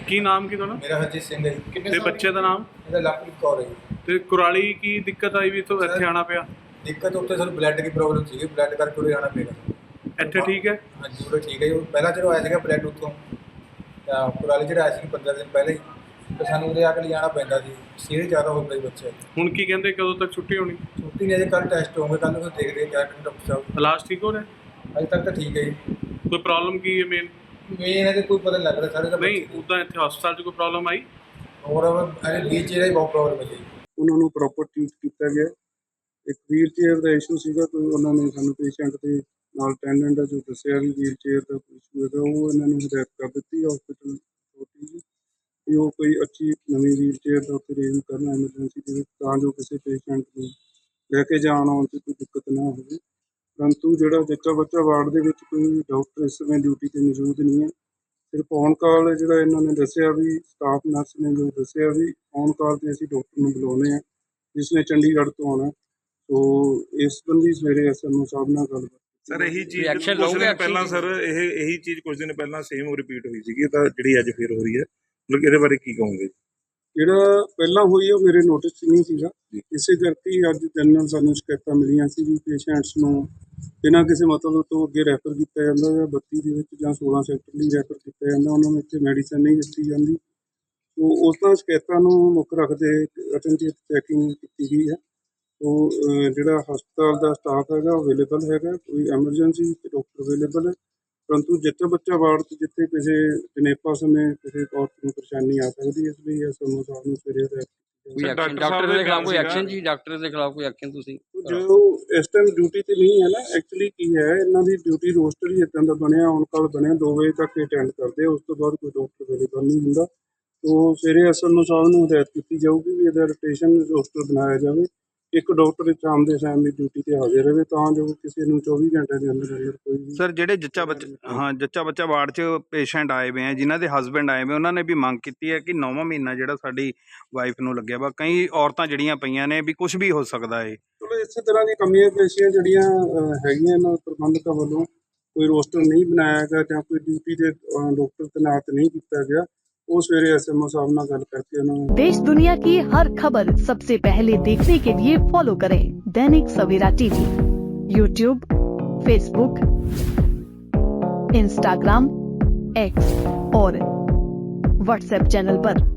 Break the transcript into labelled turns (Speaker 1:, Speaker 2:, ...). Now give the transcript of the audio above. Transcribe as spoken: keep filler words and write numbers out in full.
Speaker 1: ਕੀ ਨਾਮ ਕੀ ਤੁਹਾਡਾ?
Speaker 2: ਮੇਰਾ ਹਰਜੀਤ ਸਿੰਘ ਹੈ ਜੀ।
Speaker 1: ਤੇ ਬੱਚੇ ਦਾ ਨਾਮ?
Speaker 2: ਇਹਦਾ ਲਵਪ੍ਰੀਤ ਕੌਰ ਹੈ ਜੀ।
Speaker 1: ਤੇ ਕੁਰਾਲੀ ਕੀ ਦਿੱਕਤ ਆਈ ਵੀ ਤੋਂ ਇੱਥੇ ਆਣਾ ਪਿਆ?
Speaker 2: ਦਿੱਕਤ ਉੱਥੇ ਸਾਨੂੰ ਬਲੱਡ ਦੀ ਪ੍ਰੋਬਲਮ ਸੀਗੀ, ਬਲੱਡ ਕਰਕੇ ਉਰੇ ਆਉਣਾ ਪਿਆ।
Speaker 1: ਇੱਥੇ ਠੀਕ ਹੈ?
Speaker 2: ਹਾਂਜੀ ਉਰੇ ਠੀਕ ਹੈ ਜੀ। ਪਹਿਲਾਂ ਜਦੋਂ ਆਇਆ ਸੀਗਾ ਬਲੱਡ ਉੱਥੋਂ ਤਾਂ ਕੁਰਾਲੀ ਜਿਹੜਾ ਆਇਆ ਸੀ ਪੰਦਰਾਂ ਦਿਨ ਪਹਿਲੇ ਹੀ, ਤੇ ਸਾਨੂੰ ਉਰੇ ਆ ਕੇ ਲਿਜਾਣਾ ਪੈਂਦਾ ਸੀ। ਸੀਰੀਅਸ ਜ਼ਿਆਦਾ ਹੋ ਗਈ ਬੱਚੇ।
Speaker 1: ਹੁਣ ਕੀ ਕਹਿੰਦੇ ਕਦੋਂ ਤੱਕ ਛੁੱਟੀ ਹੋਣੀ?
Speaker 2: ਛੁੱਟੀ ਨਹੀਂ, ਅਜੇ ਕੱਲ੍ਹ ਟੈਸਟ ਹੋਣਗੇ, ਕੱਲ੍ਹ ਨੂੰ ਦੇਖਦੇ ਹਾਂ ਕਿਆ ਕਹਿੰਦੇ ਡਾਕਟਰ ਸਾਹਿਬ।
Speaker 1: ਇਲਾਜ ਠੀਕ ਹੋ ਰਿਹਾ?
Speaker 2: ਅਜੇ ਤੱਕ ਤਾਂ ਠੀਕ ਹੈ ਜੀ।
Speaker 1: ਕੋਈ ਪ੍ਰੋਬਲਮ ਕੀ ਹੈ ਮੇਨ?
Speaker 2: ਮੇਨ ਇਹਦੇ ਕੋਈ ਪਤਾ ਨਹੀਂ ਲੱਗ ਰਿਹਾ ਸਾਰੇ ਦਾ।
Speaker 1: ਨਹੀਂ ਉੱਦਾਂ ਇੱਥੇ ਹਸਪਤਾਲ 'ਚ ਕੋਈ ਪ੍ਰੋਬਲਮ ਆਈ?
Speaker 2: ਹੋਰ ਅਜੇ ਵੀਲ ਚੇਅਰ ਦੀ ਬਹੁਤ ਪ੍ਰੋਬਲਮ ਹੈ ਜੀ।
Speaker 3: ਉਹਨਾਂ ਨੂੰ ਪ੍ਰੋਪਰ ਟ੍ਰੀਟ ਕੀਤਾ ਗਿਆ। ਇੱਕ ਵੀਲ ਚੇਅਰ ਦਾ ਇਸ਼ੂ ਸੀਗਾ, ਕੋਈ ਉਹਨਾਂ ਨੇ ਸਾਨੂੰ ਪੇਸ਼ੈਂਟ ਦੇ ਨਾਲ ਅਟੈਂਡੈਂਟ ਦਾ ਜੋ ਦੱਸਿਆ ਵੀ ਵੀਲ ਚੇਅਰ ਦਾ ਕੋਈ ਇਸ਼ੂ ਹੈਗਾ, ਉਹ ਇਹਨਾਂ ਨੂੰ ਹਦਾਇਤ ਕਰ ਦਿੱਤੀ ਹਸਪੀਟਲ ਛੋਟੀ ਜੀ ਵੀ ਉਹ ਕੋਈ ਅੱਛੀ ਨਵੀਂ ਵੀਲ ਚੇਅਰ ਦਾ ਉੱਥੇ ਅਰੇਂਜ ਕਰਨ ਐਮਰਜੈਂਸੀ ਦੇ ਵਿੱਚ, ਤਾਂ ਜੋ ਕਿਸੇ ਪੇਸ਼ੈਂਟ ਨੂੰ ਲੈ ਕੇ ਜਾਣ ਆਉਣ 'ਚ ਕੋਈ ਦਿੱਕਤ ਨਾ ਹੋਵੇ। ਪਰੰਤੂ ਜਿਹੜਾ ਜੱਚਾ ਬੱਚਾ ਵਾਰਡ ਦੇ ਵਿੱਚ ਕੋਈ ਡਾਕਟਰ ਇਸ ਸਮੇਂ ਡਿਊਟੀ 'ਤੇ ਮੌਜੂਦ ਨਹੀਂ ਹੈ। ਸਿਰਫ ਔਨ ਕਾਲ ਜਿਹੜਾ ਇਹਨਾਂ ਨੇ ਦੱਸਿਆ ਵੀ ਸਟਾਫ ਨਰਸ ਨੇ ਜੋ ਦੱਸਿਆ ਵੀ ਔਨ ਕਾਲ 'ਤੇ ਅਸੀਂ ਡਾਕਟਰ ਨੂੰ ਬੁਲਾਉਂਦੇ ਹਾਂ ਜਿਸ ਨੇ ਚੰਡੀਗੜ੍ਹ ਤੋਂ ਆਉਣਾ। ਸੋ ਇਸ ਸੰਬੰਧੀ ਸਵੇਰੇ ਐਸ ਐਮ ਓ ਸਾਹਿਬ ਨਾਲ ਗੱਲਬਾਤ।
Speaker 4: ਸਰ ਇਹੀ ਚੀਜ਼ ਕੁਝ ਦਿਨ ਪਹਿਲਾਂ ਸਰ ਇਹ ਇਹੀ ਚੀਜ਼ ਕੁਝ ਦਿਨ ਪਹਿਲਾਂ ਸੇਮ ਰਿਪੀਟ ਹੋਈ ਸੀਗੀ, ਤਾਂ ਜਿਹੜੀ ਅੱਜ ਫਿਰ ਹੋ ਰਹੀ ਹੈ, ਮਤਲਬ ਇਹਦੇ ਬਾਰੇ ਕੀ ਕਹੋਗੇ?
Speaker 3: ਜਿਹੜਾ ਪਹਿਲਾਂ ਹੋਈ ਉਹ ਮੇਰੇ ਨੋਟਿਸ 'ਚ ਨਹੀਂ ਸੀਗਾ, ਇਸੇ ਕਰਕੇ ਹੀ ਅੱਜ ਜਨਰਲ ਸਾਨੂੰ ਸ਼ਿਕਾਇਤਾਂ ਮਿਲੀਆਂ ਸੀ ਵੀ ਪੇਸ਼ੈਂਟਸ ਨੂੰ ਬਿਨਾਂ ਕਿਸੇ ਮਤਲਬ ਤੋਂ ਅੱਗੇ ਰੈਫਰ ਕੀਤਾ ਜਾਂਦਾ ਜਾਂ ਬੱਤੀ ਦੇ ਵਿੱਚ ਜਾਂ ਸੋਲਾਂ ਸੈਕਟਰ ਲਈ ਰੈਫਰ ਕੀਤਾ ਜਾਂਦਾ, ਉਹਨਾਂ ਨੂੰ ਇੱਥੇ ਮੈਡੀਸਨ ਨਹੀਂ ਦਿੱਤੀ ਜਾਂਦੀ। ਸੋ ਉਸ ਤਰ੍ਹਾਂ ਸ਼ਿਕਾਇਤਾਂ ਨੂੰ ਮੁੱਖ ਰੱਖਦੇ ਅਟੈਂਟਿਵ ਚੈਕਿੰਗ ਕੀਤੀ ਗਈ ਹੈ। ਸੋ ਜਿਹੜਾ ਹਸਪਤਾਲ ਦਾ ਸਟਾਫ ਹੈਗਾ ਉਹ ਅਵੇਲੇਬਲ ਹੈਗਾ, ਕੋਈ ਐਮਰਜੈਂਸੀ ਤੇ ਡਾਕਟਰ ਅਵੇਲੇਬਲ ਹੈ। ਪਰੰਤੂ ਜੱਚਾ ਬੱਚਾ ਵਾਰਡ 'ਚ ਜਿੱਥੇ ਕਿਸੇ ਜਨੇਪਾ ਸਮੇਂ ਕਿਸੇ ਔਰਤ ਨੂੰ ਪਰੇਸ਼ਾਨੀ ਆ ਸਕਦੀ ਹੈ, ਇਸ ਲਈ ਐਸ ਐਮ ਓ ਸਾਹਿਬ ਨੂੰ ਸਵੇਰੇ
Speaker 5: ਕੋਈ ਐਕਸ਼ਨ ਡਾਕਟਰ ਦੇ ਖਿਲਾਫ ਕੋਈ ਐਕਸ਼ਨ ਜੀ ਡਾਕਟਰ ਦੇ ਖਿਲਾਫ ਕੋਈ ਐਕਸ਼ਨ ਤੁਸੀਂ
Speaker 3: ਜੋ ਇਸ ਟਾਈਮ ਡਿਊਟੀ ਤੇ ਨਹੀਂ ਹੈ ਨਾ, ਐਕਚੁਅਲੀ ਕੀ ਹੈ ਇਹਨਾਂ ਦੀ ਡਿਊਟੀ ਰੋਸਟਰ ਹੀ ਇੱਦਾਂ ਦਾ ਬਣਿਆ, ਔਨ ਕਾਲ ਬਣਿਆ, ਦੋ ਵਜੇ ਤੱਕ ਅਟੈਂਡ ਕਰਦੇ ਆ, ਉਸ ਤੋਂ ਬਾਅਦ ਕੋਈ ਡਾਕਟਰ ਅਵੇਲੇਬਲ ਨਹੀਂ ਹੁੰਦਾ। ਸੋ ਸਵੇਰੇ ਐਸ ਐਮ ਓ ਸਾਹਿਬ ਨੂੰ ਹਦਾਇਤ ਕੀਤੀ ਜਾਊਗੀ ਵੀ ਇਹਦਾ ਰੋਟੇਸ਼ਨ ਰੋਸਟਰ ਬਣਾਇਆ ਜਾਵੇ, ਇੱਕ ਡਾਕਟਰ ਸ਼ਾਮ ਦੇ ਟਾਈਮ ਦੀ ਡਿਊਟੀ ਤੇ ਹਾਜ਼ਰ ਰਹੇ ਤਾਂ ਜੋ ਕਿਸੇ ਨੂੰ ਚੌਵੀ ਘੰਟੇ ਦੇ ਅੰਦਰ ਅੰਦਰ ਕੋਈ।
Speaker 6: ਸਰ ਜਿਹੜੇ ਜੱਚਾ ਬੱਚਾ ਹਾਂ ਜੱਚਾ ਬੱਚਾ ਵਾਰਡ 'ਚ ਪੇਸ਼ੈਂਟ ਆਏ ਹੋਏ ਆ ਜਿਨ੍ਹਾਂ ਦੇ ਹਸਬੈਂਡ ਆਏ ਹੋਏ, ਉਹਨਾਂ ਨੇ ਵੀ ਮੰਗ ਕੀਤੀ ਹੈ ਕਿ ਨੌਵਾਂ ਮਹੀਨਾ ਜਿਹੜਾ ਸਾਡੀ ਵਾਈਫ ਨੂੰ ਲੱਗਿਆ ਵਾ, ਕਈ ਔਰਤਾਂ ਜਿਹੜੀਆਂ ਪਈਆਂ ਨੇ ਵੀ ਕੁਝ ਵੀ ਹੋ ਸਕਦਾ ਹੈ।
Speaker 3: ਚਲੋ ਇਸੇ ਤਰ੍ਹਾਂ ਦੀ ਕਮੀਆਂ ਪੇਸ਼ੀਆਂ ਜਿਹੜੀਆਂ ਹੈਗੀਆਂ ਇਹਨਾਂ ਪ੍ਰਬੰਧਕਾਂ ਵੱਲੋਂ ਕੋਈ ਰੋਸਟਰ ਨਹੀਂ ਬਣਾਇਆ ਗਿਆ ਜਾਂ ਕੋਈ ਡਿਊਟੀ ਦੇ ਡਾਕਟਰ ਤੈਨਾਤ ਨਹੀਂ ਕੀਤਾ ਗਿਆ, वो सवेरे एस एम ओ साहब नाल गल करके उन्होंने।
Speaker 7: देश दुनिया की हर खबर सबसे पहले देखने के लिए फॉलो करें Dainik Savera TV, YouTube, Facebook, Instagram, X और व्हाट्सएप चैनल पर।